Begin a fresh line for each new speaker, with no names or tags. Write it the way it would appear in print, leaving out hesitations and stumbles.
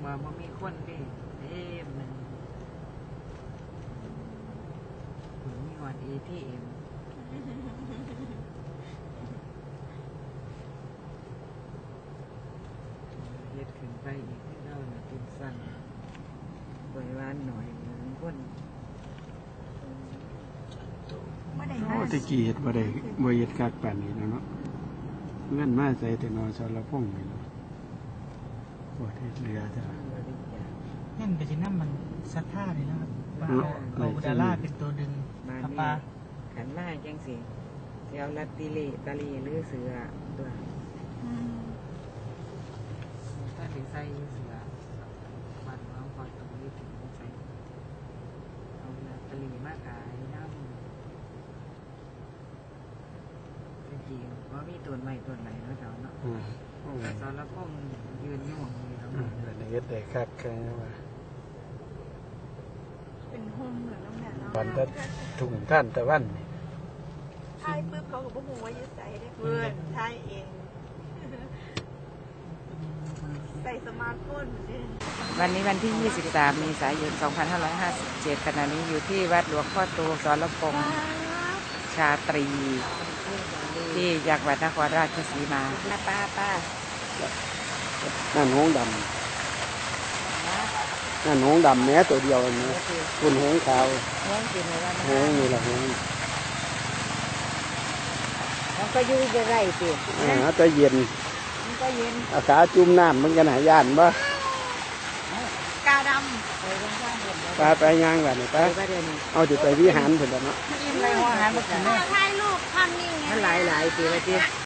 ว่าบ่มีคนเด้เต็มหนึ่งมีหอด ATM เฮ็ดขึ้นไปอีกที่เราเนี่ยเป็นสั่นปล่อยว่านหน่อยเหมือนคน
โอ้ตะกี้เฮ็ดบ่ได้บ่เฮ็ดคักปานนี้เนาะเงินมาใส่แต่นอสรพงษ์นี่เนาะโอ้เฮ็ดเรือจ้ะ
นั่นก็จะนั่นมันซัดท่าเลยนะครับเอาดาราเป็นตัวดึง
มา
ครับ
นี่
ปลา
ขันมาจังสิเสียวลัตติเลตาลีหรือเสือตัวถ้าถึงใส่เสือบันน้องพอตรงนี้ถึงใส่เอาลัตติลีมาขายน้ำตะกี้ว่ามีต้นไม้ต้นไหนเนาะเจ้าเนาะสารพงษ์ยืนอยู่หม้องนี้แล้ว
เฮ็ดได้คักแค่ว่า
เป็นโฮมเหมือนน้ำแม่เนาะ
วันตะทุ่งท่านตะวัน
ใช่ปุ๊บเขาก็บอกว่ายึดใส่ได้เพื่อนใช่เอง ใส่สมาร์ทโฟนเหมือนเดิม
วันนี้วันที่ 23 เมษายน 2557 ขณะนี้อยู่ที่วัดหลวงพ่อโตสรพงษ์ชาตรี ที่จังหวัดนครราชสีมาป้า
นั่นหงส์ดำนั่นหงส์ดำแม้ตัวเดียวนี่คุณหงส์ขาว
ห้องกินเลยว่า
หงส์นี่ล่ะหงส์
มันก็อยู่จะไรสิ
จะเย็น
มันก็เย็น
อาขาจุ่มน้ำมันกันหาย่านบ่
กาด
ไปตรงข้างบน
ปลาไปย่างแบบนี้
ไป
ปะ
ประเดี๋ยวนี้
เอาจะไปวิหารเพิ่นเนาะ
กินอะไรหัวอาหารมากิน
ำถ่ายรูปทำนิ่งไง
มันหลายปีแล้วจี